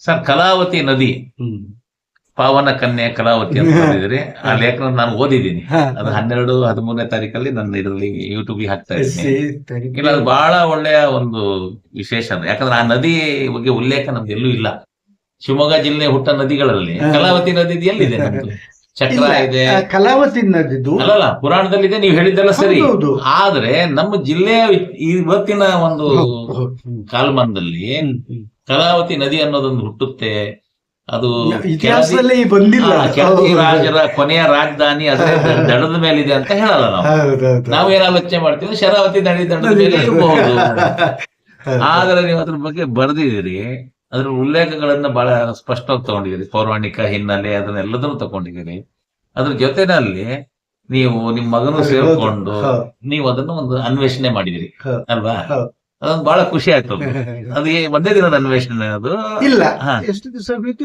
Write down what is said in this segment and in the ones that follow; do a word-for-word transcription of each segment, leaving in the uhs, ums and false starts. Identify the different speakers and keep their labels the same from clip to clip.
Speaker 1: Sir Kalavati ನದಿ
Speaker 2: ಹ್ಮ್
Speaker 1: ಪಾವನ ಕನ್ಯೆ ಕಲಾವತಿ ಅಂತ ಬಂದಿದ್ರಿ. ಆ ಲೇಖನ ನಾನು ಓದಿದ್ದೀನಿ.
Speaker 2: ಹಾ,
Speaker 1: ಅದು ಹನ್ನೆರಡು ಹದಿಮೂರನೇ ತಾರೀಕಲ್ಲಿ ನನ್ನ ಇದರಲ್ಲಿ ಯೂಟ್ಯೂಬ್ ಹಾಕ್ತಾ ಇದ್ದೀನಿ.
Speaker 2: see, thank
Speaker 1: ಇಲ್ಲ
Speaker 2: you.
Speaker 1: ಅದು ಬಹಳ ಒಳ್ಳೆಯ ಒಂದು ವಿಶೇಷ ಅದು. ಯಾಕಂದ್ರೆ ಆ ನದಿ ಬಗ್ಗೆ ಉಲ್ಲೇಖ ನಮ್ದು ಎಲ್ಲೂ ಇಲ್ಲ. ಶಿವಮೊಗ್ಗ ಜಿಲ್ಲೆ ಹುಟ್ಟ ನದಿಗಳಲ್ಲಿ
Speaker 2: ಹಾ.
Speaker 1: ಕಲಾವತಿ ನದಿ ಎಲ್ಲಿದೆ ನಮ್ದು? ಚಕ್ರ
Speaker 2: ಇಲ್ಲ,
Speaker 1: ಇದೆ,
Speaker 2: ಆ ಕಲಾವತಿ ನದಿದು
Speaker 1: ಅಲ್ಲಲ್ಲ ಪುರಾಣದಲ್ಲಿದೆ, ನೀವು ಹೇಳಿದ್ದೆಲ್ಲ ಸರಿ.
Speaker 2: ಹೌದು.
Speaker 1: ಆದ್ರೆ ನಮ್ಮ ಜಿಲ್ಲೆಯ ಇವತ್ತಿನ ಒಂದು
Speaker 2: ಹೌದು, ಹೌದು. ಹ್ಮ್.
Speaker 1: ಕಾಲಮಾನದಲ್ಲಿ
Speaker 2: ಹ್ಮ್, ಹ್ಮ್.
Speaker 1: ಕಲಾವತಿ ನದಿ ಅನ್ನೋದೊಂದು ಹುಟ್ಟುತ್ತೆ. ಅದು
Speaker 2: ಇತಿಹಾಸದಲ್ಲಿ ಬಂದಿಲ್ಲ.
Speaker 1: ಆ, ಕೆಳದಿ ರಾಜರ ಕೊನೆಯ ರಾಜಧಾನಿ ಅದರ ದಡದ ಮೇಲಿದೆ ಅಂತ ಹೇಳಲ್ಲ ನಾವು.
Speaker 2: ಹೌದೌದು.
Speaker 1: ನಾವೇನ್ ಆಲೋಚನೆ ಮಾಡ್ತೀವಿ ಶರಾವತಿ ನದಿ ದಡದ ಮೇಲೆ ಇರಬಹುದು. ಆದ್ರೆ ನೀವು ಅದ್ರ ಬಗ್ಗೆ ಬರೆದಿದ್ದೀರಿ, ಅದ್ರ ಉಲ್ಲೇಖಗಳನ್ನ ಬಹಳ ಸ್ಪಷ್ಟವಾಗಿ ತಗೊಂಡಿದ್ದೀರಿ. ಪೌರಾಣಿಕ ಹಿನ್ನೆಲೆ ಅದನ್ನೆಲ್ಲದನ್ನು ತಗೊಂಡಿದ್ದೀರಿ. ಅದ್ರ ಜೊತೆನಲ್ಲಿ ನೀವು ನಿಮ್ ಮಗನು ಸೇರ್ಕೊಂಡು
Speaker 2: ಹೌದು.
Speaker 1: ನೀವು ಅದನ್ನು ಒಂದು ಅನ್ವೇಷಣೆ ಮಾಡಿದಿರಿ
Speaker 2: ಹೌದು.
Speaker 1: ಅಲ್ವಾ?
Speaker 2: ಹೌದು.
Speaker 1: ಅದೊಂದು ಬಹಳ ಖುಷಿ ಆಯ್ತು. ಅದು ಅದು ಏ- ಒಂದೇ ದಿನದ ಅನ್ವೇಷಣೆ ಅದು?
Speaker 2: ಇಲ್ಲ,
Speaker 1: ಹಾ.
Speaker 2: ಎಷ್ಟು ದಿವಸ ಬೇಕು?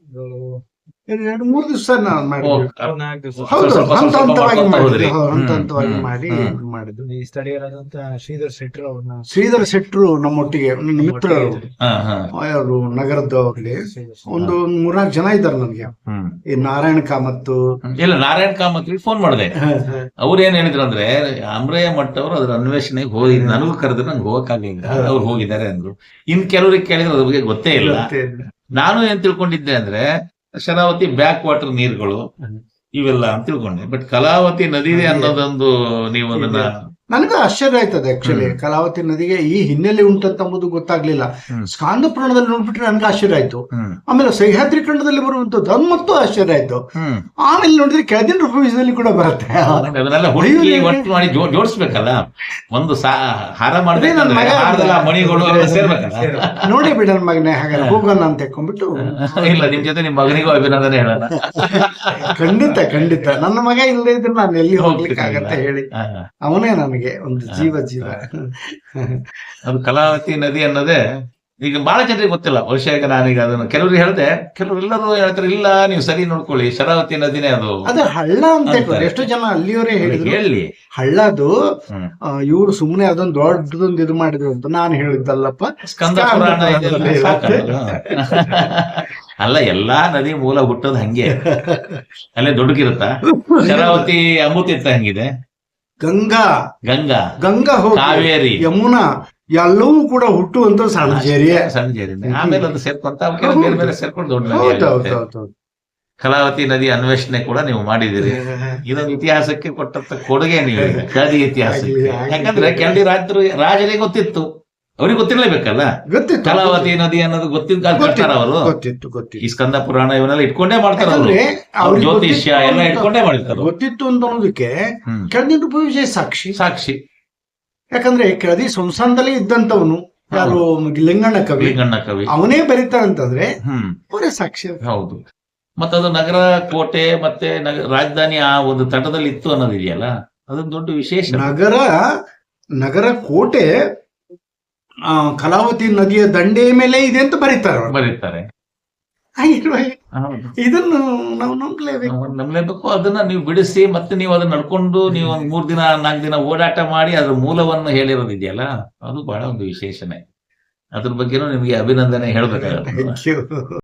Speaker 2: ಎರಡು ಮೂರು ದಿವಸ ನಾವು
Speaker 1: ಓ,
Speaker 2: ಮಾಡಿದ್ವಿ.
Speaker 1: ಸ್ವಲ್ಪ
Speaker 2: ಹೌದು,
Speaker 1: ಸ್ವಲ್ಪ
Speaker 2: ಹಂತ
Speaker 1: ಸ್ವಲ್ಪ
Speaker 2: ಹಂತವಾಗಿ
Speaker 1: ಮಾಡ್ಕೊಂತ
Speaker 2: ಮಾಡಿದ್ವಿ.
Speaker 1: ಹೋದ್ರಿ.
Speaker 2: ಹೌದು, ಹಂತ
Speaker 1: ಹ್ಮ್,
Speaker 2: ಹಂತವಾಗಿ
Speaker 1: ಹ್ಮ್,
Speaker 2: ಮಾಡಿ
Speaker 1: ಹ್ಮ್.
Speaker 2: ಇದ್ ಮಾಡಿದ್ವಿ.
Speaker 3: ಈ ಸ್ಥಳೀಯರಾದಂತ ಶ್ರೀಧರ್ ಶೆಟ್ಟರ್ ಅವ್ರನ್ನ
Speaker 2: ಶ್ರೀಧರ ಶೆಟ್ರು ನಮ್ಮೊಟ್ಟಿಗೆ ನನ್ನ ಮಿತ್ರರು,
Speaker 1: ಹಾ, ಹಾ.
Speaker 2: ಅವರು ನಗರದವ್ರಲ್ಲಿ ಒಂದು ಮೂರ್ನಾಲ್ಕು ಜನ ಇದ್ದಾರೆ ನನಗೆ.
Speaker 1: ಹ್ಮ್.
Speaker 2: ಈ ನಾರಾಯಣ ಕಾಮತ್ತು,
Speaker 1: ಇಲ್ಲ, ನಾರಾಯಣ ಕಾಮತ್ರಿಗೆ ಫೋನ್ ಮಾಡಿದೆ. ಅವ್ರು ಏನ್ ಹೇಳಿದ್ರು ಅಂದ್ರೆ, ಅಮ್ರಯ್ಯ ಮಠ ಅವರು ಅದ್ರ ಅನ್ವೇಷಣೆಗೆ ಹೋಗಿ ನನಗೂ ಕರೆದ್ರೆ ನಂಗೆ ಹೋಗಕ್ಕಾಗಲಿಲ್ಲ, ಅವ್ರು ಹೋಗಿದ್ದಾರೆ ಅಂದ್ರು. ಇನ್ ಕೆಲವರಿಗೆ ಕೇಳಿದ್ರೆ ಅದ್ರ ಬಗ್ಗೆ ಗೊತ್ತೇ ಇಲ್ಲ. ನಾನು ಏನ್ ತಿಳ್ಕೊಂಡಿದ್ದೆ ಅಂದ್ರೆ ಶರಾವತಿ ಬ್ಯಾಕ್ ವಾಟರ್ ನೀರುಗಳು ಇವೆಲ್ಲ ಅಂತ ತಿಳ್ಕೊಂಡೆ. ಬಟ್ ಕಲಾವತಿ ನದಿ ಅನ್ನೋದೊಂದು ನೀವು ಅದನ್ನ
Speaker 2: ನನಗೂ ಆಶ್ಚರ್ಯ ಆಯ್ತದೆ ಆಕ್ಚುಲಿ. ಕಲಾವತಿ ನದಿಗೆ ಈ ಹಿನ್ನೆಲೆ ಉಂಟಂತ ಅಂಬುದು ಗೊತ್ತಾಗ್ಲಿಲ್ಲ.
Speaker 1: ಹ್ಮ್.
Speaker 2: ಸ್ಕಾಂದ ಪುರಾಣದಲ್ಲಿ ನೋಡ್ಬಿಟ್ರೆ ನನ್ಗೆ ಆಶ್ಚರ್ಯ ಆಯ್ತು.
Speaker 1: ಹ್ಮ್
Speaker 2: ಆಮೇಲೆ ಸಹ್ಯಾದ್ರಿ ಖಂಡದಲ್ಲಿ ಬರುವಂತದ್ದು ಅದು ಮತ್ತು ಆಶ್ಚರ್ಯ ಆಯ್ತು.
Speaker 1: ಹ್ಮ್
Speaker 2: ಆಮೇಲೆ ನೋಡಿದ್ರೆ ಕೆಳದಿನ ರೂಪದಲ್ಲಿ ಕೂಡ ಬರುತ್ತೆ.
Speaker 1: ಅದನ್ನೆಲ್ಲ ಹುಡುಕಿ ಒಟ್ಟು ಮಾಡಿ ಜೋ- ಜೋಡಿಸ್ಬೇಕಲ್ಲ. ಒಂದು ಸಾ ಹಾರ
Speaker 2: ಅದೇ ನನ್
Speaker 1: ಮಾಡ್ಬೇಕಂದ್ರೆ
Speaker 2: ಮಗ
Speaker 1: ಹಾರದಲ್ಲ ಮಣಿಗಳು ಅವೆಲ್ಲ ಸೇರ್ಬೇಕಲ್ಲ.
Speaker 2: ನೋಡಿ ಬಿಡ ನನ್ ಮಗನೇ, ಹಾಗಾದ್ರೆ ಹೋಗೋಣ ಅಂತ ಹೇಳ್ಕೊಂಡ್ಬಿಟ್ಟು.
Speaker 1: ಇಲ್ಲ, ನಿಮ್ ಜೊತೆ ನಿಮ್ ಮಗನಿಗೂ ಅಭಿನಂದನೆ ಹೇಳೋಣ.
Speaker 2: ಖಂಡಿತ ಖಂಡಿತ ನನ್ನ ಮಗ ಇಲ್ಲದೆ ಇದ್ರೆ ನಾನು ಎಲ್ಲಿ ಹೋಗ್ಲಿಕ್ಕೆ ಆಗತ್ತೆ ಹೇಳಿ.
Speaker 1: ಹಾ.
Speaker 2: ಅವನೇ ನನಗೆ ಒಂದು ಜೀವ ಜೀವ.
Speaker 1: ಅದು ಕಲಾವತಿ ನದಿ ಅನ್ನೋದೇ ಈಗ ಬಹಳ ಜನರಿಗೆ ಗೊತ್ತಿಲ್ಲ. ಬಹುಶಃ ಈಗ ನಾನೀಗ ಅದನ್ನು ಕೆಲವ್ರಿಗೆ ಹೇಳ್ದೆ, ಕೆಲವರು ಎಲ್ಲರೂ ಹೇಳ್ತಾರೆ ಇಲ್ಲ ನೀವು ಸರಿ ನೋಡ್ಕೊಳ್ಳಿ ಶರಾವತಿ ನದಿನೇ ಅದು
Speaker 2: ಅದು ಹಳ್ಳ ಅಂತ ಹೇಳ್ತಾರೆ. ಎಷ್ಟೋ ಜನ ಅಲ್ಲಿಯವರೇ ಹೇಳಿದ್ರು
Speaker 1: ಹೇಳಿ.
Speaker 2: ಹಳ್ಳದು
Speaker 1: ಹ್ಮ್.
Speaker 2: ಇವ್ರು ಸುಮ್ನೆ ಅದೊಂದು ದೊಡ್ಡದೊಂದು ಇದು ಮಾಡಿದ್ರು ಅಂತ. ನಾನು ಹೇಳಿದ್ದಲ್ಲಪ್ಪ,
Speaker 1: ಸ್ಕಂದ ಪುರಾಣ ಇದೆಲ್ಲ ಸಾಕಲ್ಲ. ಅಲ್ಲ, ಎಲ್ಲಾ ನದಿ ಮೂಲ ಹುಟ್ಟೋದು ಹಂಗೆ. ಅಲ್ಲೇ ದೊಡ್ಡಗಿರುತ್ತ. ಶರಾವತಿ ಅಮೃತ ಹಂಗಿದೆ,
Speaker 2: ಗಂಗಾ
Speaker 1: ಗಂಗಾ
Speaker 2: ಗಂಗಾ ಹೋಗಿ
Speaker 1: ಕಾವೇರಿ
Speaker 2: ಯಮುನಾ ಎಲ್ಲವೂ ಕೂಡ ಹುಟ್ಟುವಂತ ಸಣ್ಣ ಜೇರಿಯ.
Speaker 1: ಸಣ್ಣ ಜೇರಿನೇ. ಆಮೇಲೆ ಅದು ಸೇರ್ಕೊಂತ ಅವಕ್ಕೆಲ್ಲ ಬೇರೆ ಬೇರೆ ಸೇರ್ಕೊಂಡು ದೊಡ್ಡ ನದಿ
Speaker 2: ಹೌದು
Speaker 1: ಆಗುತ್ತೆ.
Speaker 2: ಹೌದು ಹೌದು.
Speaker 1: ಕಲಾವತಿ ನದಿ ಅನ್ವೇಷಣೆ ಕೂಡ ನೀವು ಮಾಡಿದಿರಿ. ಇದೊಂದು ಇತಿಹಾಸಕ್ಕೆ ಕೊಟ್ಟಂತ ಕೊಡುಗೆ ನೀವು ಕೆಳದಿ ಇತಿಹಾಸಕ್ಕೆ.
Speaker 2: ಆಗ್ಲಿ, ಆಗ್ಲಿ.
Speaker 1: ಯಾಕಂದ್ರೆ ಕೆಳದಿ ರಾಜರು ರಾಜರಿಗೆ ಗೊತ್ತಿತ್ತು, ಅವ್ರಿಗೆ ಗೊತ್ತಿರ್ಲೇಬೇಕಲ್ಲ
Speaker 2: ಗೊತ್ತಿತ್ತು
Speaker 1: ಕಲಾವತಿ ನದಿ ಅನ್ನೋದು ಗೊತ್ತಿದ್ದ ಕಾಲ ಕಟ್ಟಾರ ಅವರು.
Speaker 2: ಗೊತ್ತಿತ್ತು ಗೊತ್ತಿತ್ತು
Speaker 1: ಈ ಸ್ಕಂದ ಪುರಾಣ ಇವನ್ನೆಲ್ಲ ಇಟ್ಕೊಂಡೇ ಮಾಡ್ತಾರ ಅವರು.
Speaker 2: ಯಾಕಂದ್ರೆ ಅವ್ರಿಗೆ
Speaker 1: ಜ್ಯೋತಿಷ್ಯ
Speaker 2: ಗೊತ್ತಿತ್ತು
Speaker 1: ಎಲ್ಲ
Speaker 2: ಅಂತ-
Speaker 1: ಇಟ್ಕೊಂಡೇ ಮಾಡಿರ್ತಾರೆ.
Speaker 2: ಗೊತ್ತಿತ್ತು ಅಂತ ಅನ್ನೋದಕ್ಕೆ
Speaker 1: ಹ್ಮ್.
Speaker 2: ಕೆಳದಿ ರೂಪವಿಜಯ ಸಾಕ್ಷಿ.
Speaker 1: ಸಾಕ್ಷಿ.
Speaker 2: ಯಾಕಂದ್ರೆ ಕೆಳದಿ ಸಂಸ್ಥಾನದಲ್ಲಿ ಇದ್ದಂತವನು ಯಾರು, ಲಿಂಗಣ್ಣ ಕವಿ,
Speaker 1: ಲಿಂಗಣ್ಣ ಕವಿ.
Speaker 2: ಅವನೇ ಬರೀತಾರಂತಂದ್ರೆ
Speaker 1: ಹ್ಮ್
Speaker 2: ಅವರೇ ಸಾಕ್ಷಿ.
Speaker 1: ಹೌದು. ಮತ್ತದು ನಗರ ಕೋಟೆ ಮತ್ತೆ ನಗರ ರಾಜಧಾನಿ ಆ ಒಂದು ತಟದಲ್ಲಿ ಇತ್ತು ಅನ್ನೋದಿದೆಯಲ್ಲ, ಅದೊಂದು ದೊಡ್ಡ ವಿಶೇಷ.
Speaker 2: ನಗರ ನಗರ ಕೋಟೆ ಆ, ಕಲಾವತಿ ನದಿಯ ದಂಡೆಯ ಮೇಲೆ ಇದೆ ಅಂತ ಬರೀತಾರೆ ಅವ್ರು.
Speaker 1: ಬರೀತಾರೆ.
Speaker 2: ಹಾಗಿರುವಾಗ
Speaker 1: ಹೌದು.
Speaker 2: ಇದನ್ನು ನಾವು ನಂಬಲೇಬೇಕು.
Speaker 1: ನಾವು ನಂಬಲೇಬೇಕು. ಅದನ್ನ ನೀವು ಬಿಡಿಸಿ ಮತ್ತೆ ನೀವು ಅದನ್ನ ನಡ್ಕೊಂಡು ನೀವು ಒಂದ್ ಮೂರ್ ದಿನ ನಾಲ್ಕು ದಿನ ಓಡಾಟ ಮಾಡಿ ಅದ್ರ ಮೂಲವನ್ನು ಹೇಳಿರೋದಿದೆಯಲ್ಲ, ಅದು ಬಹಳ ಒಂದು ವಿಶೇಷಣೆ. ಅದ್ರ ಬಗ್ಗೆನೂ ನಿಮ್ಗೆ ಅಭಿನಂದನೆ ಹೇಳ್ಬೇಕಾಗುತ್ತೆ.
Speaker 2: Thank you.